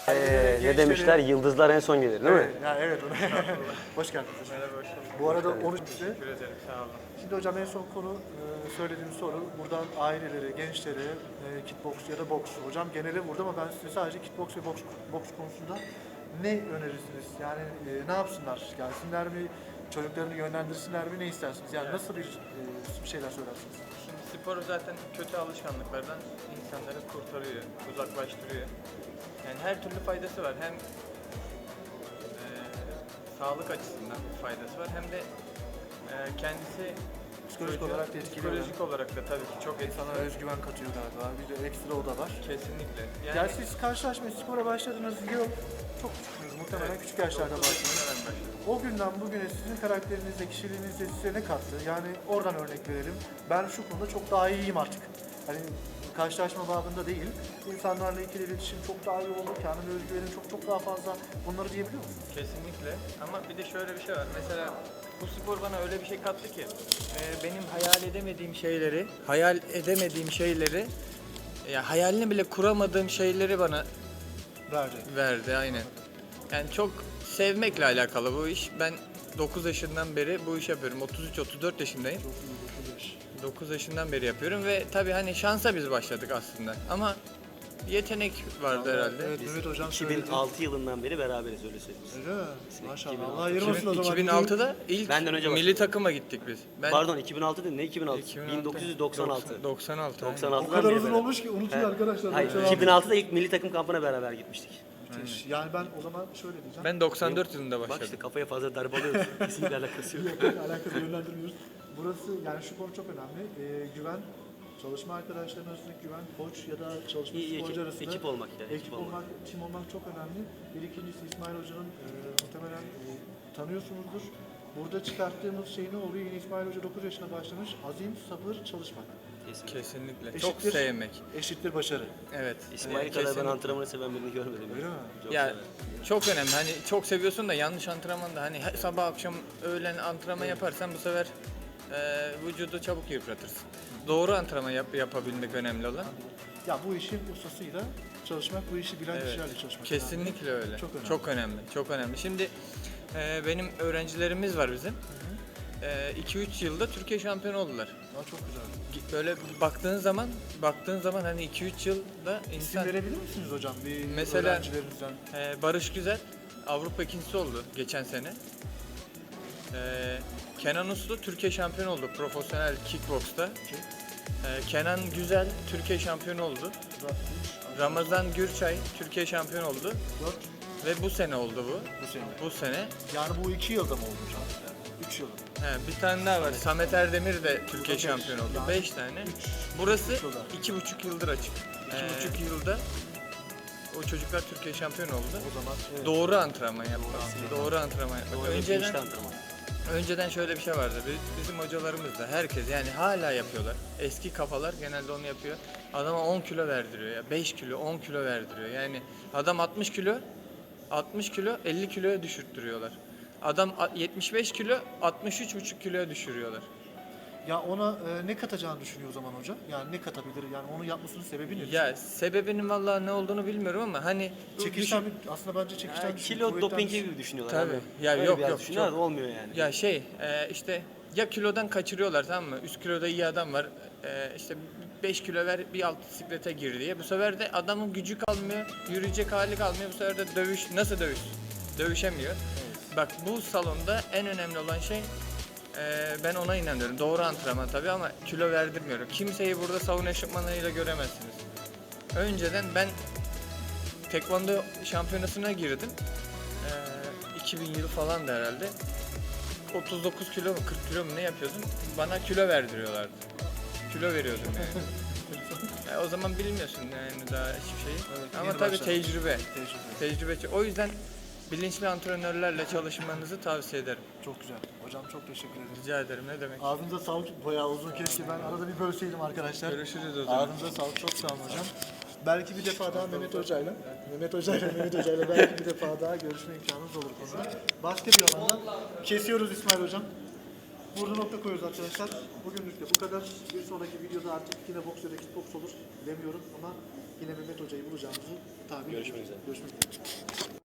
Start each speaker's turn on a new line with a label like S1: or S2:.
S1: Ne demişler? Yıldızlar en son gelir değil mi?
S2: Ya evet. Hoş geldiniz.
S3: Merhaba, hoş bulduk.
S2: Bu arada onu
S3: Teşekkür ederim, sağ olun.
S2: Şimdi hocam en son konu söylediğim soru. Buradan ailelere, gençlere, kickbox ya da boks. Hocam genele vurdu ama ben size sadece kickbox ve boks konusunda ne önerirsiniz? Yani ne yapsınlar? Gelsinler mi? Çocuklarını yönlendirsinler mi? Ne istersiniz? Yani nasıl bir şeyler söylersiniz?
S3: Şimdi spor zaten kötü alışkanlıklardan insanları kurtarıyor, uzaklaştırıyor. Yani her türlü faydası var. Hem sağlık açısından bir faydası var hem de kendisi
S2: Psikolojik olarak da etkiliyor.
S3: psikolojik olarak da tabii ki çok
S2: İnsana özgüven katıyor galiba. Bir de ekstra o da var.
S3: kesinlikle.
S2: Yani siz karşılaşmaya spora başladığınız yıl çok küçüksünüz. Muhtemelen küçük yaşlarda başladınız.
S3: Hemen başladım.
S2: O günden bugüne sizin karakterinizde, kişiliğinizde size ne kattı? Yani oradan örnek verelim. Ben şu konuda çok daha iyiyim artık. Hani karşılaşma babında değil. İnsanlarla ikili iletişim çok daha iyi oldu. Kendime özgüvenim çok daha fazla. Bunları diyebiliyor musunuz?
S3: Kesinlikle. Ama bir de şöyle bir şey var. Mesela bu spor bana öyle bir şey kattı ki benim hayal edemediğim şeyleri ya hayalini bile kuramadığım şeyleri bana verdi aynen. Yani çok sevmekle alakalı bu iş. Ben 9 yaşından beri bu iş yapıyorum. 33-34 yaşındayım. 9 yaşından beri yapıyorum ve tabii hani şansa biz başladık aslında. Ama yetenek vardı herhalde.
S2: Evet, Mehmet Hocam söyledi.
S1: 2006 yılından beri beraberiz öyle söyleyeyim.
S2: Öyle mi? Maşallah.
S1: 2006.
S2: Allah ayırmasın o zaman.
S3: 2006'da ilk
S1: Benden önce
S3: milli
S1: başladı.
S3: takıma gittik biz. Ben
S1: Pardon 2006 değil ne 2006?
S3: 2006.
S1: 1996.
S3: 96. aynen.
S1: 96'dan
S2: O kadar
S1: beri
S2: uzun
S1: beraber.
S2: olmuş ki unutuyor arkadaşlar.
S1: Hayır, 2006'da ilk milli takım kampına beraber gitmiştik.
S2: Müthiş. Yani ben o zaman şöyle diyeceğim.
S3: Ben 94 yılında
S1: Bak
S3: başladım.
S1: işte kafaya fazla darbe alıyoruz. Kesinlikle alakası yok.
S2: Alakası yönlendirmiyoruz. Burası yani şu konu çok önemli. Güven, çalışma arkadaşlarının arasındaki güven, koç ya da çalışma
S1: İyi,
S2: sporcu arasında
S1: ekip olmak ya.
S2: ekip olmak, tim olmak çok önemli. Bir ikincisi İsmail Hoca'nın muhtemelen tanıyorsunuzdur. Burada çıkarttığımız şey ne oluyor? Yine İsmail Hoca 9 yaşına başlamış. Azim, sabır, çalışmak.
S3: Kesinlikle. Çok
S2: Eşittir-
S3: sevmek.
S2: Eşittir başarı.
S3: Evet.
S1: İsmail kadar ben
S3: kesinlikle.
S1: antrenmanı seven birini görmedim.
S2: Öyle mi?
S1: Çok
S3: Ya
S1: severim.
S3: çok önemli. Hani çok seviyorsun da yanlış antrenmanda hani sabah akşam öğlen antrenman yaparsan bu sefer vücudu çabuk yıpratırsın. Doğru antrenman yapabilmek önemli olan.
S2: Ya bu işin ustasıyla çalışmak, bu işi bilen kişilerle çalışmak.
S3: Kesinlikle öyle.
S2: Çok önemli.
S3: Çok önemli. Çok önemli. Şimdi benim öğrencilerimiz var bizim. 2-3 yılda Türkiye şampiyonu oldular.
S2: Ya çok güzel.
S3: Böyle baktığın zaman hani 2-3 yılda
S2: İsim
S3: insan
S2: verebilir misiniz hocam bir
S3: Mesela-
S2: öğrencilerinizden?
S3: Barış Güzel Avrupa ikincisi oldu geçen sene. Kenan Uslu Türkiye şampiyonu oldu profesyonel kickboxta. Kenan Güzel Türkiye şampiyonu oldu. Ramazan Gürçay Türkiye şampiyonu oldu
S2: 4
S3: ve bu sene oldu bu.
S2: bu sene.
S3: Bu sene.
S2: Yani bu 2 yılda mı oldu hocam? 3 yılda.
S3: Bir tane daha var. Samet Erdemir de Türkiye
S2: beş.
S3: şampiyonu oldu.
S2: Yani
S3: 5 tane.
S2: üç
S3: Burası
S2: yılda.
S3: 2,5 yıldır açık. 2,5 yılda o çocuklar Türkiye şampiyonu oldu.
S2: O zaman evet.
S3: Doğru antrenman yapmak. Doğru antrenman yapmak.
S1: Doğru bir bilinçli antrenman.
S3: Önceden şöyle bir şey vardı. Bizim hocalarımız da herkes yani hala yapıyorlar. Eski kafalar genelde onu yapıyor. Adama 10 kilo verdiriyor ya. 5 kilo, 10 kilo verdiriyor. Yani adam 60 kilo 50 kiloya düşürttürüyorlar. Adam 75 kilo 63,5 kiloya düşürüyorlar.
S2: Ya ona ne katacağını düşünüyor o zaman hoca? Yani ne katabilir? Yani onu yapmasının sebebi ne?
S3: Ya sebebinin vallahi ne olduğunu bilmiyorum ama hani
S2: Çekişten aslında bence çekişten
S1: Yani kilo dopingi gibi düşünüyorlar.
S3: Tabii.
S1: abi.
S3: Ya
S1: Öyle
S3: yok,
S1: biraz
S3: yok,
S1: düşünüyorlar
S3: çok-
S1: da olmuyor yani.
S3: ya işte ya kilodan kaçırıyorlar tamam mı? Üst kiloda iyi adam var. İşte 5 kilo ver bir alt bisiklete gir diye. Bu sefer de adamın gücü kalmıyor. Yürüyecek hali kalmıyor. Bu sefer de nasıl dövüş? Dövüşemiyor. Bak bu salonda en önemli olan şey ben ona inanıyorum. Doğru antrenman tabii ama kilo verdirmiyorum. Kimseyi burada sauna eşofmanlarıyla göremezsiniz. Önceden ben tekvando şampiyonasına girdim. 2000 yıl falan da herhalde. 39 kilo mu 40 kilo mu ne yapıyordum? Bana kilo verdiriyorlardı. Kilo veriyordum yani. O zaman bilmiyorsun yani daha hiçbir şeyi.
S2: Evet,
S3: Ama
S2: yeni
S3: tabii
S2: başlamış.
S3: tecrübe.
S2: Tecrübe.
S3: O yüzden bilinçli antrenörlerle çalışmanızı tavsiye ederim.
S2: Çok güzel. Hocam çok teşekkür ederim.
S3: Rica ederim ne demek.
S2: Ağzınıza sağlık. Bayağı uzun keşke ben arada bir bölseydim arkadaşlar.
S3: Görüşürüz o zaman.
S2: Ağzınıza sağlık. Çok sağ olun hocam. Belki bir defa daha Mehmet Hoca'yla belki bir defa daha görüşme imkanımız olur konuda. Başka bir alanda kesiyoruz İsmail Hocam. Burada nokta koyuyoruz arkadaşlar. Bugünlük de bu kadar. Bir sonraki videoda artık yine boks ya da kickboks olur. Bilemiyorum ama yine Mehmet Hoca'yı bulacağımızı tahmin
S1: Görüşmek
S2: ediyoruz.
S1: üzere.
S2: Görüşmek üzere.